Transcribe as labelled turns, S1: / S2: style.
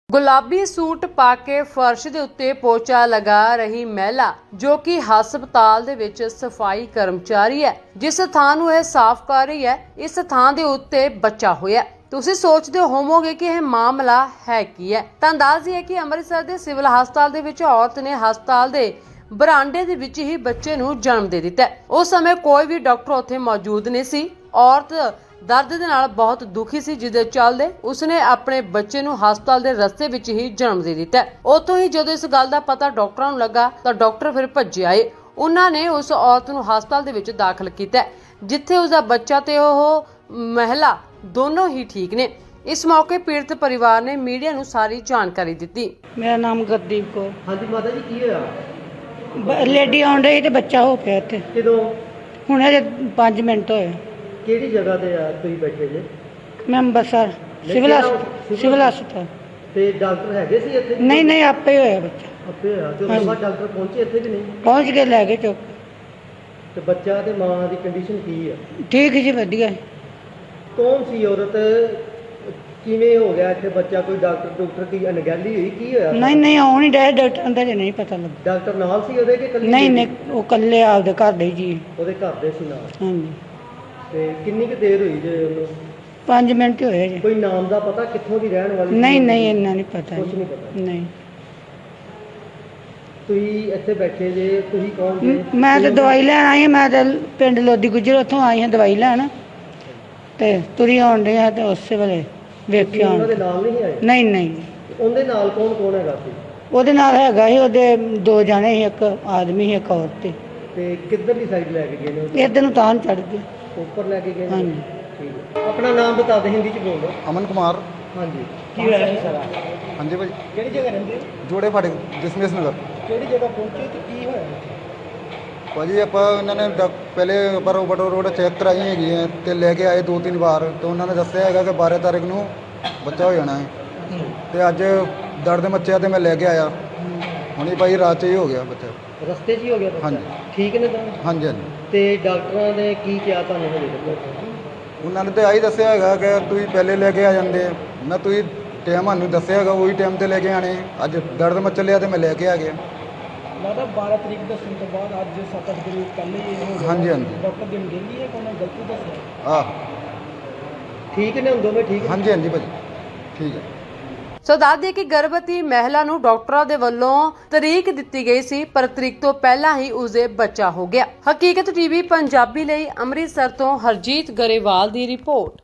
S1: ਗੁਲਾਬੀ ਸੂਟ ਪਾ ਕੇ ਫਰਸ਼ ਦੇ ਉੱਤੇ ਪੋਚਾ ਲਗਾ ਰਹੀ ਮਹਿਲਾ ਜੋ ਕਿ ਹਸਪਤਾਲ ਦੇ ਵਿੱਚ ਸਫਾਈ ਕਰਮਚਾਰੀ ਹੈ। ਜਿਸ ਥਾਂ ਨੂੰ ਇਹ ਸਾਫ਼ ਕਰ ਰਹੀ ਹੈ, ਇਸ ਥਾਂ ਦੇ ਉੱਤੇ ਬੱਚਾ ਹੋਇਆ। ਤੁਸੀਂ ਸੋਚਦੇ ਹੋਵੋਗੇ ਕਿ ਇਹ ਮਾਮਲਾ ਹੈ ਕੀ ਹੈ। ਤਾਂ ਦੱਸ ਦਈਏ ਕਿ ਅੰਮ੍ਰਿਤਸਰ ਦੇ ਸਿਵਲ ਹਸਪਤਾਲ ਦੇ ਵਿੱਚ ਔਰਤ ਨੇ ਹਸਪਤਾਲ ਦੇ ਬਰਾਂਡੇ ਦੇ ਵਿੱਚ ਹੀ ਬੱਚੇ ਨੂੰ ਜਨਮ ਦੇ ਦਿੱਤਾ। ਉਸ ਸਮੇਂ ਕੋਈ ਵੀ ਡਾਕਟਰ ਉੱਥੇ ਮੌਜੂਦ ਨਹੀਂ ਸੀ। ਔਰਤ ਦਰਦ ਦੇ ਨਾਲ ਬਹੁਤ ਦੁਖੀ ਸੀ, ਜਿਸ ਦੇ ਚੱਲਦੇ ਉਸਨੇ ਆਪਣੇ ਬੱਚੇ ਨੂੰ ਹਸਪਤਾਲ ਦੇ ਰਸਤੇ ਵਿੱਚ ਹੀ ਜਨਮ ਦੇ ਦਿੱਤਾ। ਉੱਥੋਂ ਹੀ ਜਦੋਂ ਇਸ ਗੱਲ ਦਾ ਪਤਾ ਡਾਕਟਰਾਂ ਨੂੰ ਲੱਗਾ ਤਾਂ ਡਾਕਟਰ ਫਿਰ ਭੱਜੇ ਆਏ। ਉਹਨਾਂ ਨੇ ਉਸ ਔਰਤ ਨੂੰ ਹਸਪਤਾਲ ਦੇ ਵਿੱਚ ਦਾਖਲ ਕੀਤਾ, ਜਿੱਥੇ ਉਸਦਾ ਬੱਚਾ ਤੇ ਉਹ ਮਹਿਲਾ ਦੋਨੋਂ ਹੀ ਠੀਕ ਨੇ। ਇਸ ਮੌਕੇ ਪੀੜਤ ਪਰਿਵਾਰ ਨੇ ਮੀਡੀਆ ਨੂੰ ਸਾਰੀ ਜਾਣਕਾਰੀ ਦਿੱਤੀ।
S2: ਮੇਰਾ ਨਾਮ ਗੁਰਦੀਪ ਕੌਰ।
S3: ਹਾਂਜੀ ਮਾਤਾ ਜੀ, ਕੀ ਹੋਇਆ?
S2: ਲੇਡੀ ਆਉਣ ਰਹੀ ਤੇ ਬੱਚਾ ਹੋ ਪਿਆ ਇੱਥੇ।
S3: ਕਿਦੋਂ?
S2: ਹੁਣ ਅਜੇ 5 ਮਿੰਟ ਹੋਏ।
S3: ਕਿਹੜੀ ਜਗ੍ਹਾ ਤੇ ਆ ਤੁਸੀਂ ਬੈਠੇ ਜੇ?
S2: ਮੈਂ ਅੰਬਰਸਰ ਸਿਵਲ ਹਸਪਤਾਲ।
S3: ਤੇ ਡਾਕਟਰ ਹੈਗੇ ਸੀ ਇੱਥੇ?
S2: ਨਹੀਂ ਆਪੇ ਹੋਇਆ ਬੱਚਾ।
S3: ਆਪੇ ਹੋਇਆ ਤੇ ਉਸ ਬਾਅਦ ਡਾਕਟਰ ਪਹੁੰਚੇ ਇੱਥੇ ਕਿ ਨਹੀਂ?
S2: ਪਹੁੰਚ ਕੇ ਲੈ ਕੇ ਚੁੱਕ।
S3: ਤੇ ਬੱਚਾ ਤੇ ਮਾਂ ਦੀ ਕੰਡੀਸ਼ਨ ਕੀ ਆ?
S2: ਠੀਕ ਜੀ, ਵਧੀਆ।
S3: ਕੌਣ ਸੀ ਔਰਤ? ਕਿਵੇਂ ਹੋ ਗਿਆ ਇੱਥੇ ਬੱਚਾ? ਕੋਈ ਡਾਕਟਰ ਦੀ ਅਣਗਹਿਲੀ ਹੋਈ? ਕੀ ਹੋਇਆ?
S2: ਨਹੀਂ ਆਉਣ ਹੀ ਡਾਇ ਡਾਕਟਰ ਦਾ ਜੇ ਨਹੀਂ ਪਤਾ ਲੱਗਾ।
S3: ਡਾਕਟਰ ਨਾਲ ਸੀ ਉਹਦੇ ਕਿ ਇਕੱਲੀ?
S2: ਨਹੀਂ ਉਹ ਇਕੱਲੇ ਆਪਦੇ ਘਰ ਦੇ ਜੀ।
S3: ਉਹਦੇ ਘਰ ਦੇ ਸੀ ਨਾਲ?
S2: ਹਾਂਜੀ।
S3: ਤੇ ਕਿੰਨੀ ਕੁ ਦੇਰ ਹੋਈ ਜੇ ਉਹਨੂੰ?
S2: 5 ਮਿੰਟ ਹੋਏ ਜੀ।
S3: ਕੋਈ ਨਾਮ ਦਾ ਪਤਾ ਕਿੱਥੋਂ ਦੀ ਰਹਿਣ ਵਾਲੀ?
S2: ਨਹੀਂ ਇੰਨਾ ਨਹੀਂ ਪਤਾ।
S3: ਕੁਝ ਨਹੀਂ ਪਤਾ?
S2: ਨਹੀਂ।
S3: ਤੁਸੀਂ ਇੱਥੇ ਬੈਠੇ ਜੇ, ਤੁਸੀਂ ਕੌਣ ਜੇ?
S2: ਮੈਂ ਤਾਂ ਦਵਾਈ ਲੈਣ ਆਈ ਹਾਂ। ਮੈਂ ਤਾਂ ਪਿੰਡ ਲੋਦੀ ਗੁੱਜਰ ਉੱਥੋਂ ਆਈ ਹਾਂ ਦਵਾਈ ਲੈਣ, ਤੇ ਤੁਰੀ ਆਉਣ ਡਈ ਹਾਂ ਤੇ ਉਸੇ ਵੇਲੇ ਵੇਖਿਆ।
S3: ਉਹਨਾਂ ਦੇ ਨਾਲ ਨਹੀਂ ਆਏ?
S2: ਨਹੀਂ।
S3: ਉਹਦੇ ਨਾਲ ਕੌਣ ਹੈਗਾ ਸੀ?
S2: ਉਹਦੇ ਨਾਲ ਹੈਗਾ ਸੀ, ਉਹਦੇ 2 ਜਾਣੇ ਸੀ, ਇੱਕ ਆਦਮੀ ਸੀ ਇੱਕ ਔਰਤ ਸੀ।
S3: ਤੇ ਕਿੱਧਰਲੀ ਸਾਈਡ ਲੈ ਕੇ ਗਏ ਨੇ?
S2: ਇੱਧਰ ਨੂੰ ਤਾਂ ਚੜ ਗਏ।
S3: ਉੱਪਰ ਲੈ ਕੇ ਗਏ ਨੇ?
S2: ਹਾਂਜੀ।
S3: ਠੀਕ ਹੈ। ਆਪਣਾ ਨਾਮ ਬਤਾ ਦੇ, ਹਿੰਦੀ ਚ ਬੋਲੋ।
S4: ਅਮਨ ਕੁਮਾਰ।
S3: ਹਾਂਜੀ। ਕੀ ਹੋਇਆ ਸੀ ਸਾਰਾ?
S4: ਹਾਂਜੀ ਭਾਈ,
S3: ਕਿਹੜੀ ਜਗ੍ਹਾ ਰਹਿੰਦੇ ਹੋ?
S4: ਜੋੜੇ ਫਾਟਕ ਦਸ਼ਮੇਸ਼ ਨਗਰ।
S3: ਕਿਹੜੀ ਜਗ੍ਹਾ ਪਹੁੰਚੇ ਤੇ ਕੀ ਹੋਇਆ?
S4: ਭਾਜੀ ਆਪਾਂ ਇਹਨਾਂ ਨੇ ਪਹਿਲੇ ਪਰ ਓਵਰਡੋ ਰੋਡ ਚੈੱਕ ਕਰਾਈ ਹੈਗੀ ਹੈ ਤੇ ਲੈ ਕੇ ਆਏ 2-3 ਵਾਰ, ਤੇ ਉਹਨਾਂ ਨੇ ਦੱਸਿਆ ਹੈਗਾ ਕਿ 12 ਤਾਰੀਖ ਨੂੰ ਬੱਚਾ ਹੋ ਜਾਣਾ ਹੈ। ਤੇ ਅੱਜ ਦਰਦ ਮੱਚਿਆ ਤੇ ਮੈਂ ਲੈ ਕੇ ਆਇਆ। ਹੁਣੇ ਭਾਈ ਰਾਤ 'ਚ ਹੀ ਹੋ ਗਿਆ ਬੱਚਾ।
S3: ਰਸਤੇ 'ਚ ਹੀ ਹੋ ਗਿਆ ਬੱਚਾ?
S4: ਹਾਂਜੀ।
S3: ਠੀਕ ਨੇ ਤਾਂ?
S4: ਹਾਂਜੀ।
S3: ਤੇ ਡਾਕਟਰਾਂ ਨੇ ਕੀ ਕਿਹਾ ਤੁਹਾਨੂੰ ਹਜੇ ਤੱਕ?
S4: ਉਹਨਾਂ ਨੇ ਤਾਂ ਆਹੀ ਦੱਸਿਆ ਹੈਗਾ ਕਿ ਤੁਸੀਂ ਪਹਿਲੇ ਲੈ ਕੇ ਆ ਜਾਂਦੇ। ਮੈਂ ਤੁਸੀਂ ਟਾਈਮ ਸਾਨੂੰ ਦੱਸਿਆ ਹੈਗਾ, ਉਹੀ ਟਾਈਮ ਤੇ ਲੈ ਕੇ ਆਣੇ। ਅੱਜ ਦਰਦ ਮੱਚ ਲਿਆ ਤੇ ਮੈਂ ਲੈ ਕੇ ਆ ਗਿਆ।
S3: ਲੱਗਦਾ 12 ਤਰੀਕ ਦੱਸਣ ਤੋਂ ਬਾਅਦ ਅੱਜ 7-8 ਦਿਨ ਪਹਿਲੇ ਹੀ ਹੋ ਗਿਆ। ਹਾਂਜੀ। ਡਾਕਟਰ ਦੀ ਅਣਗਹਿਲੀ ਹੈ ਕਿ ਉਹਨੇ ਗਲਤੀ ਦੱਸਿਆ?
S4: ਆਹ
S3: ਠੀਕ ਨੇ ਹੁਣ ਦੋਵੇਂ? ਠੀਕ?
S4: ਹਾਂਜੀ ਭਾਜੀ, ਠੀਕ ਹੈ।
S1: ਸੋ ਦੱਸ ਦਈਏ ਕਿ ਗਰਭਵਤੀ ਮਹਿਲਾ ਨੂੰ ਡਾਕਟਰਾਂ ਦੇ ਵੱਲੋਂ ਤਰੀਕ ਦਿੱਤੀ ਗਈ ਸੀ, ਪਰ ਤਰੀਕ ਤੋਂ ਪਹਿਲਾਂ ਹੀ ਉਸਦੇ ਬੱਚਾ ਹੋ ਗਿਆ। ਹਕੀਕਤ ਟੀਵੀ ਪੰਜਾਬੀ ਲਈ ਅੰਮ੍ਰਿਤਸਰ ਤੋਂ ਹਰਜੀਤ ਗਰੇਵਾਲ ਦੀ ਰਿਪੋਰਟ।